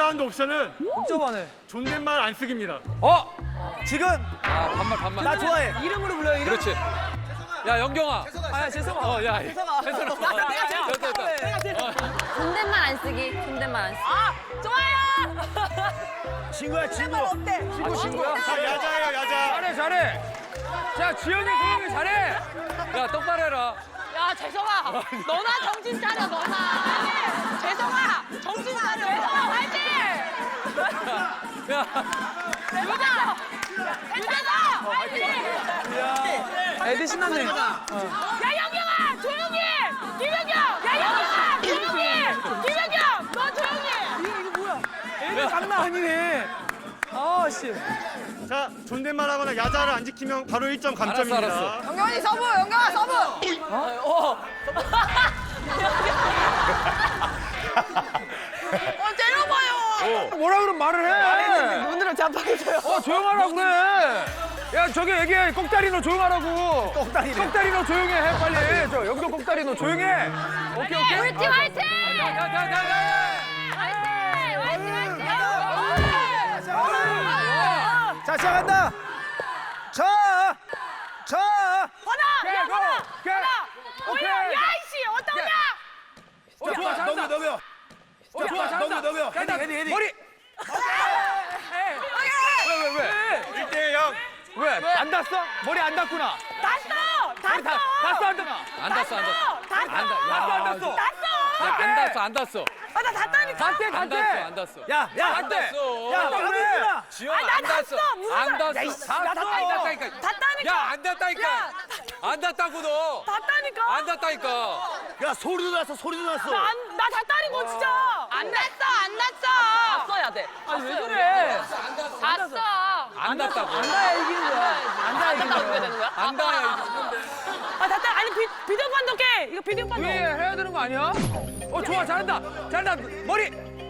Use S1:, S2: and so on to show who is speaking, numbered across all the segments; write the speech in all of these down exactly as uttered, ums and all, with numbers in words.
S1: 라운드 옵션은
S2: 복잡하네.
S1: 존댓말 안 쓰기입니다.
S2: 어? 지금
S3: 아, 반말, 반말.
S2: 나 좋아해. 이름으로 불러요. 이름.
S3: 그렇지. 야, 영경아.
S2: 아, 죄송아.
S3: 어, 야.
S2: 죄송아.
S3: 죄송아.
S2: 나 내가 제일
S3: 됐다, 됐다.
S2: 좋아해. 내가 제일 좋아해.
S4: 존댓말 안 쓰기. 존댓말 안 쓰기.
S5: 아, 좋아요.
S2: 친구야, 친구.
S5: 어때?
S3: 친구, 친구야.
S1: 자, 야자예요, 야자.
S3: 잘해, 잘해. 자, 지현이, 소영이 잘해. 야, 똑바로 해라.
S5: 야, 재성아. 너나 정신 차려, 너나. 재성아, 정신 차려. 재성아, 화이팅!
S3: 야,
S5: 유자! 유자다! 화이팅!
S2: 애들 신났네.
S5: 야, 영경아! 조용히! 김영경! 야, 영경아! 조용히! 김영경! 너 조용히!
S2: 애들 장난 아니네. 아, 씨.
S1: 자, 존댓말 하거나 야자를 안 지키면 바로 일 점 감점입니다.
S3: 알았어, 알았어.
S5: 영경이 서브! 영경아, 서브!
S2: 어.
S5: 어, 때려봐요!
S2: 뭐라 그러면 말을 해. 눈으로 잡아줘요. 어, 조용하라고 그래. 야, 저기 얘기해. 꼭다리 너 조용하라고. 꼭다리. 꼭다리 너 조용해. 해, 빨리. 저 영도 꼭다리 너 조용해. 오케이, 오케이.
S5: 우리 팀 화이팅!
S3: 야, 야, 야, 야, 야.
S5: 화이팅! 화이팅! 화이팅!
S2: 자, 시작한다. 자. 자.
S5: 번아! 야,
S2: 고!
S5: 번아!
S2: 오케이.
S5: 번아!
S2: 오케이.
S5: 올려! 야, 이씨! 어떠냐?
S2: 어, 좋아, 잘한다. 넘겨, 넘겨. 어, 좋아, 잘한다. 넘겨, 넘겨. 헤딩, 헤딩, 헤딩. 머리. 왜, 왜, 왜?
S1: 일 대 영.
S2: 왜? 안 닿았어? 머리 안 닿구나.
S5: 닿았어! 닿았어!
S2: 닿았어, 안 닿아?
S3: 안 닿았어, 안 닿았어.
S5: 닿았어!
S3: 안 닿, 야,
S2: 닿았어, 안 닿았어.
S3: 야,
S5: 닿았어!
S3: 안 닿았어, 안 닿았어.
S5: 아, 나 닿다니까!
S2: 닿대,
S3: 안
S2: 닿대.
S3: 닿았어, 안 닿았어.
S2: 야, 야,
S3: 안
S2: 안 돼.
S3: 닿았어.
S2: 야, 왜?
S3: 지현아,
S5: 아, 나
S3: 안 닿았어.
S5: 닿았어. 무슨
S3: 안
S5: 말-
S3: 닿았어.
S2: 야, 이씨, 나
S3: 안
S2: 닿았어.
S3: 닿다니까.
S5: 닿다니까!
S3: 야, 안 닿다니까. 안 닿다고 너.
S5: 닿다니까!
S3: 안 닿다니까.
S2: 야, 소리도 났어, 소리도 났어.
S5: 나, 안, 나 닿다니까, 진짜! 안 닿았어! 안 닿았어! 닿았어야 돼.
S2: 아니, 왜 그래?
S5: 닿았어!
S3: 안 닿다고.
S2: 안 닿아야 이기는 거야. 안 닿아야 이기는 거야.
S5: 되는 거야?
S3: 안 닿아야 이거.
S5: 아, 닿다! 아니, 비, 비디오 판독해! 이거 비디오 판독!
S2: 위에 해야 되는 거 아니야? 어, 좋아, 잘한다. 잘한다. 머리.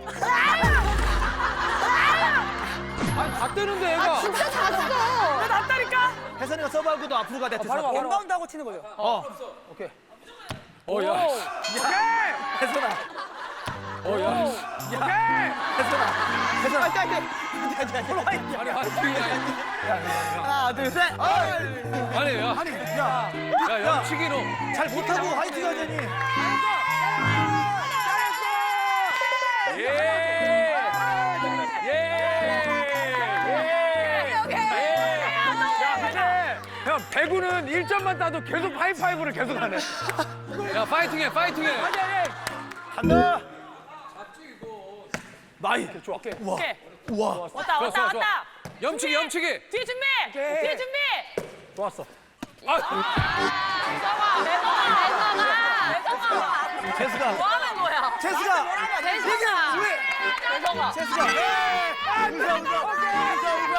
S2: 아니, 다 뜨는데, 얘가.
S4: 진짜 잤어.
S5: 나 닿다니까!
S2: 혜선이가 서브하고 너 앞으로 가야 돼. 바로 와, 인바운드 하고 치는 거죠. 어. 오케이.
S3: 어, 야.
S2: 오케이. 혜선아.
S3: 어, 야.
S2: 오케이. 혜선아. 혜선아. 화이팅, 화이팅.
S3: 아니, 화이팅이야.
S2: 하나, 둘, 셋.
S3: 아니, 야.
S2: 아니, 야.
S3: 야, 영치기 너.
S2: 잘 못하고 화이팅 하자니.
S3: 예. 예. 예.
S2: 야, 근데 형 배구는 일 점만 따도 계속 하이파이브를 계속 하네.
S3: 야, 파이팅해, 파이팅해.
S2: 간다. 나이. 좋아. 우와.
S5: 오케이.
S2: 우와.
S5: 왔다,
S3: 좋아,
S5: 왔다,
S3: 좋아, 좋아.
S5: 왔다!
S3: 염치기, 염치기.
S5: 뒤에 준비!
S2: 오케이.
S5: 뒤에 준비!
S2: 좋았어.
S3: 아,
S5: 대성아! 대성아! 대성아!
S2: 제스가.
S5: 뭐 하는 거야?
S2: 제스가.
S5: 대성아!
S2: 왜?
S5: 대성아!
S2: 제스가. 아, 웃어, 웃어. 웃어, 웃어.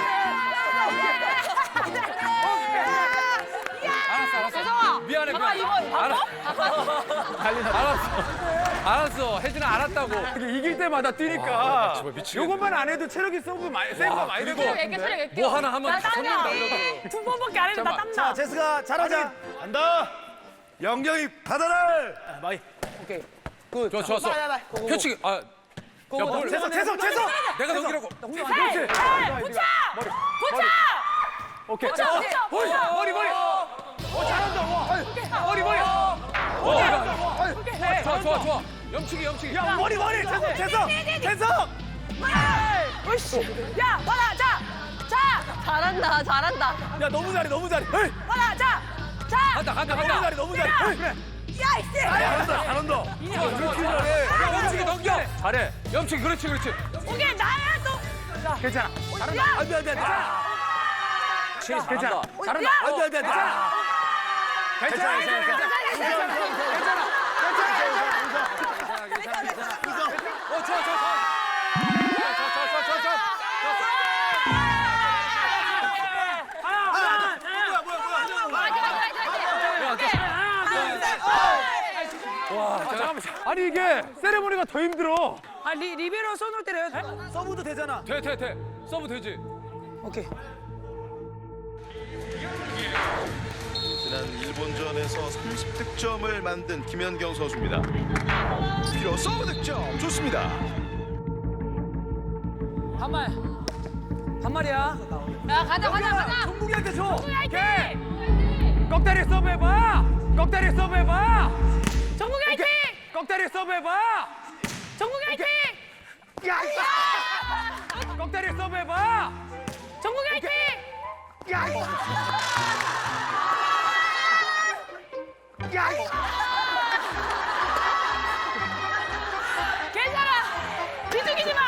S3: 알았어, 알았어.
S5: 대성아!
S3: 미안해,
S5: 봐봐,
S3: 미안해.
S5: 이거
S3: 알아,
S5: 바꿔?
S3: 알았어. 알았어. 혜진아, 알았다고.
S2: 이게 이길 때마다 뛰니까.
S3: 와, 정말 미치겠네.
S2: 요것만 안 해도 체력이 서브 많이 세가 많이 되고.
S3: 그리고
S5: 이렇게 소리 낼게요.
S3: 뭐 하나 하면
S5: 나
S3: 다 손님
S5: 땀나.
S3: 날려도.
S5: 두 번밖에 안 했는데 나
S3: 잠깐만.
S5: 땀나.
S2: 제스가 잘하자.
S6: 간다. 영경이 받아라.
S2: 마이. 오케이. 굿.
S3: 좋아, 좋았어. 펼치기. 아, 야, 뭘.
S2: 재석, 재석, 재석.
S3: 내가 넘기라고.
S2: 그렇지.
S5: 에이, 에이, 붙여!
S2: 머리.
S5: 붙여!
S2: 오케이.
S5: 붙여,
S2: 어,
S5: 붙여,
S2: 머리,
S5: 붙여.
S2: 머리, 머리. 어, 잘한다. 와. 머리, 머리.
S3: 어, 야,
S2: 오케이.
S3: 좋아, 좋아, 좋아. 염치기, 염치기.
S2: 야, 머리, 머리. 재석, 재석. 재석.
S5: 으이씨! 야, 봐라, 자! 자!
S4: 잘한다. 잘한다.
S2: 야, 너무 잘해, 너무 잘해. 헤이.
S5: 봐라, 자! 자!
S3: 간다, 간다,
S2: 너무
S3: 간다.
S2: 잘해, 너무 잘해. 헤이, 그래.
S5: 야, 이씨!
S2: 잘한다, 잘한다.
S3: 좋아, 좋아, 좋아. 야, 염치기 넘겨.
S2: 잘해.
S3: 염치기, 그렇지, 그렇지.
S5: 오케이, 나야, 또!
S2: 괜찮아.
S5: 야!
S2: 안 돼, 안 돼, 안 돼. 괜찮아. 괜찮아. 잘한다.
S5: 야!
S2: 안 돼, 안 돼, 안 돼. 괜찮아, 괜찮아, 괜찮아. 괜찮아, 괜찮아.
S3: 어, 좋아, 좋아, 좋아. 좋아, 좋아, 좋아, 좋아, 좋아.
S2: 잠깐만. 아니 이게 세레모니가 더 힘들어.
S5: 아, 리, 리베로 손으로 때려요?
S2: 서브도 되잖아.
S3: 돼, 돼, 돼. 서브 되지.
S2: 오케이.
S6: 지난 일본전에서 삼십 득점을 만든 김연경 선수입니다. 필요 서브 득점 좋습니다.
S3: 반말. 반말이야.
S5: 야 가자 가자 가자.
S2: 종국이한테 줘.
S5: 화이팅!
S2: 꺽다리 서브 해봐. 꺽다리 서브 해봐.
S5: 정국이 화이팅!
S2: 꺽다리 서브 해봐.
S5: 정국이 화이팅!
S2: 야, 꺽다리 서브 해봐.
S5: 정국이 화이팅!
S2: 야, 야,
S5: 괜찮아. 비죽이지 마.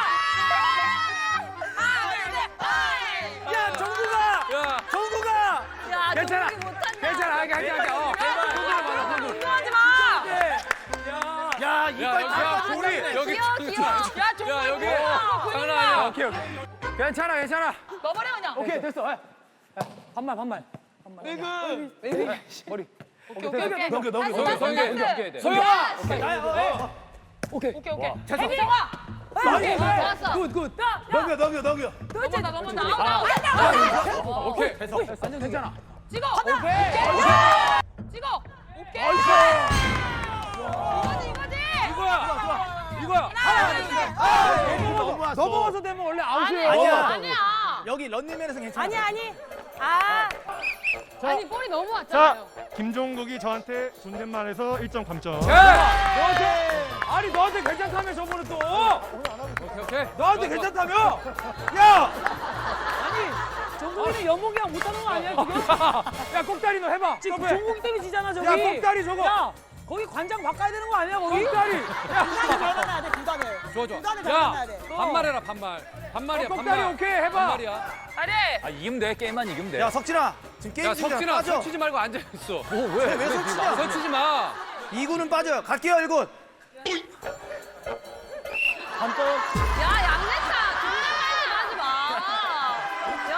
S2: 야, 정국아,
S3: 야.
S2: 정국아.
S4: 야,
S2: 괜찮아.
S4: 종국이 못한다.
S2: 괜찮아, 하게 하게 하게. 어.
S5: 운동하지 마.
S2: 야, 이빨
S3: 야,
S2: 다
S3: 야,
S2: 우리.
S3: 여기
S4: 귀여워, 귀여워.
S5: 야 정국이
S3: 야, 여기.
S5: 고용아,
S3: 장난
S5: 고용아.
S3: 아니야.
S2: 오케이, 오케이. 괜찮아, 괜찮아.
S5: 넣어버려 그냥.
S2: 오케이, 됐어. 야, 반말, 반말.
S3: 배그.
S2: 머리.
S5: 오케이 오케이 오케이.
S2: 넘겨, 넘겨,
S3: 소영,
S2: 넘겨.
S3: 소영이.
S2: 넘겨.
S3: 돼.
S2: 소영아.
S5: 오케이 오케이.
S2: 됐어.
S5: 혜성아.
S2: 나이스.
S4: 좋았어.
S2: 굿, 굿.
S5: 야,
S6: 넘겨 넘겨 넘겨.
S5: 넘어온다 넘어온다. 아웃 아웃.
S3: 오케이.
S2: 됐어. 완전 괜찮아.
S5: 찍어. 찍어. 오케이. 이거지 이거지.
S2: 이거야. 이거야.
S6: 넘어왔어.
S2: 넘어가서 되면 원래 아웃이에요.
S5: 아니야 아니야.
S6: 여기 런닝맨에서 괜찮아.
S5: 아니 아니. 아. 아니 볼이 너무
S1: 자,
S5: 왔잖아요.
S1: 김종국이 저한테 존댓말해서 일 점 감점.
S2: 야, 너한테 아니 너한테 괜찮다며 저번에 또.
S3: 오케이, 오케이.
S2: 너한테 괜찮다며. 야.
S7: 종국이는 연봉이랑 못하는 거 아니야 지금?
S2: 야, 꼭다리 너 해봐.
S7: 지금
S2: 서브해.
S7: 종국이 때문에 지잖아 저기.
S2: 야, 꼭다리 저거.
S7: 야, 거기 관장 바꿔야 되는 거 아니야 거기?
S2: 꼭다리. 야,
S7: 구단을 밟아놔야 돼 구단을.
S3: 좋아, 좋아.
S7: 구단을
S3: 야,
S7: 밟아놔야 돼.
S3: 반말해라, 반말. 반말이야,
S2: 꼭다리
S3: 반말.
S2: 오케이 해봐.
S3: 반말이야.
S5: 아니.
S3: 아, 이기면 돼. 게임만 이기면 돼.
S6: 야 석진아 지금 게임
S3: 야,
S6: 중이야.
S3: 석진아,
S6: 빠져.
S3: 서치지 말고 앉아있어. 뭐,
S6: 왜, 왜 서치냐?
S3: 서치지 마.
S6: 이 구는 빠져요. 갈게요 일 군.
S4: 야, 양냈다. 존댓말좀 하지 마. 야,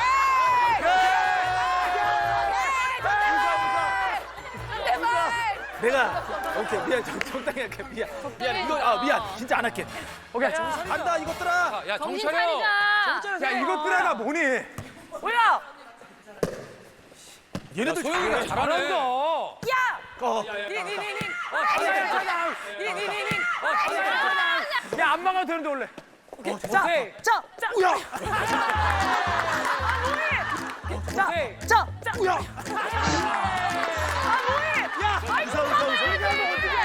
S4: 존댓말.
S6: 내가 오케이 미안 적- 적당히 할게 미안 미안 이거 아 미안 진짜 안 할게.
S2: 오케이.
S6: 간다 이것들아.
S3: 야, 야,
S4: 정신
S3: 정차려.
S4: 차리자.
S2: 야, 이것들아가 뭐니?
S5: 뭐야?
S6: 얘네들
S3: 소영이가
S6: 잘해.
S3: 잘하네.
S2: 잘한다.
S6: 어.
S5: 니니니니.
S2: 야, 안 막아도 되는데 원래.
S7: 자,
S3: 오케이.
S7: 자, 자,
S6: 우야.
S7: 자,
S3: 오케이.
S7: 자, 자.
S6: 우야.
S2: 웃어, 웃어, 웃어. 얘기하면 어떡해.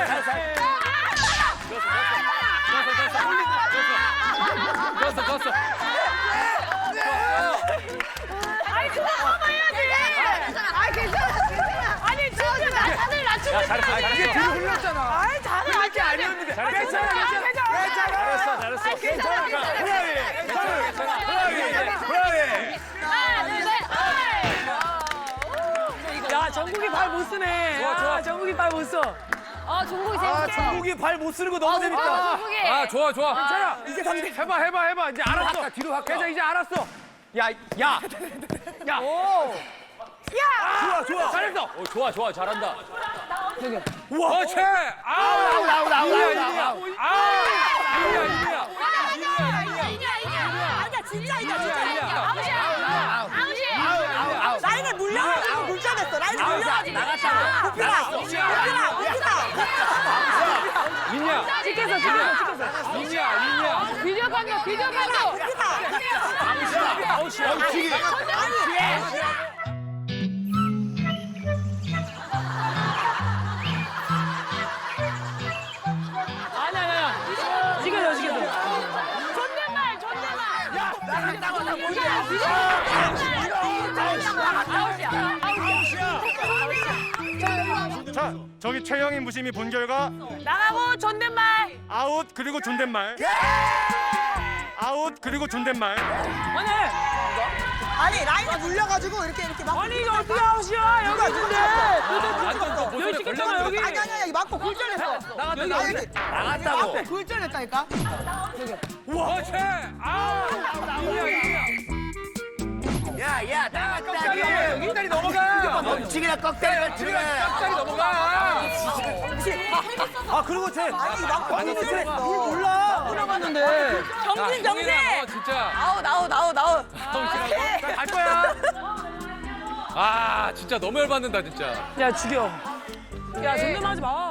S3: 졌어, 졌어.
S5: 아니 그거 한번 해야지.
S4: 아, 괜찮아, 괜찮아.
S5: 아니 진짜 나 다들 낮추고
S3: 야, 잘했어,
S5: 있어.
S2: 이게 뒤로 흘렸잖아.
S5: 아이 다들
S2: 그렇게 아니었는데. 괜찮아, 괜찮아. 괜찮아.
S6: 잘했어 잘했어.
S4: 괜찮아, 괜찮아.
S6: 브라이.
S3: 괜찮아, 괜찮아.
S6: 브라이. 브라이.
S5: 하나 둘 셋.
S7: 야, 정국이 발 못 쓰네.
S3: 좋아, 좋아.
S7: 아, 정국이 발 못 써.
S4: 어, 종국이
S6: 아
S4: 재밌게.
S6: 종국이 발 못 쓰는 거 너무
S4: 어,
S6: 재밌다.
S4: 종국이.
S3: 아, 좋아, 좋아.
S2: 괜찮아. 이제 상대 해봐, 해봐, 해봐. 이제 알았어.
S3: 할까, 뒤로 할까?
S2: 괜찮아, 이제 알았어. 야, 야. 야.
S6: 좋아 좋아.
S2: 잘했어.
S3: 어, 좋아, 좋아. 잘한다.
S6: 우와.
S3: 그렇지. 아우,
S6: 아웃 아웃 아웃
S3: 이리야,
S6: 아웃
S3: 이리야.
S6: 아웃.
S3: 아우, 이리야, 이리야.
S5: 이냐 이냐.
S7: 아니야, 진짜 이냐, 진짜
S3: 아니야.
S7: 이냐.
S5: 아웃이야. 아웃이야.
S7: 라인을 물려가지고 굴절했어. 라인을
S5: 아웃이야.
S7: 물려가지고.
S5: 나갔다.
S7: 구피라, 구피라, 구피라.
S3: 있냐?
S7: 찍혔어, 찍혔어, 찍혔어.
S3: 있냐, 있냐.
S5: 비디오 판도 비디오 판도.
S3: 아웃이야.
S6: 멈추기.
S7: 아니야, 아니야. 찍혔어, 찍혔어.
S5: 존댓말 존댓말.
S6: 야 나갔다고 나 뭔데?
S5: 아웃이야.
S1: 자, 저기 최영인 무심히 본 결과
S5: 나가고 존댓말.
S1: 아웃 그리고 존댓말. 아웃 그리고 존댓말.
S7: 아니, 아니 라인에 물려가지고 이렇게 이렇게 막. 아니 이거 어떻게 아웃이야? 여기 있는데.
S3: 완전 또 모습에
S7: 여기 찍혔잖아 여기. 아니 아니 아니 맞고 굴절했어.
S3: 나갔다,
S7: 여기
S3: 나갔다.
S7: 여기.
S6: 나갔다고.
S7: 앞에 굴절했다니까.
S3: 그렇지. 아우, 이리야, 이리야.
S6: 야야
S2: 꺽다리.
S6: 나갔다고.
S2: 꺽다리 넘어가.
S6: 멈추기나 꺽다리 멈추기나.
S3: 깍다리 넘어가.
S6: 아 그리고 쟤.
S7: 아니 막고
S6: 아니,
S7: 굴절했어.
S6: 뭘 몰라.
S7: 물어봤는데.
S5: 정신 정신.
S3: 너 진짜.
S4: 아웃, 아웃, 아웃, 아웃.
S2: 갈 거야.
S3: 아, 진짜 너무 열받는다, 진짜.
S7: 야 죽여. 야 존댓말 하지 마.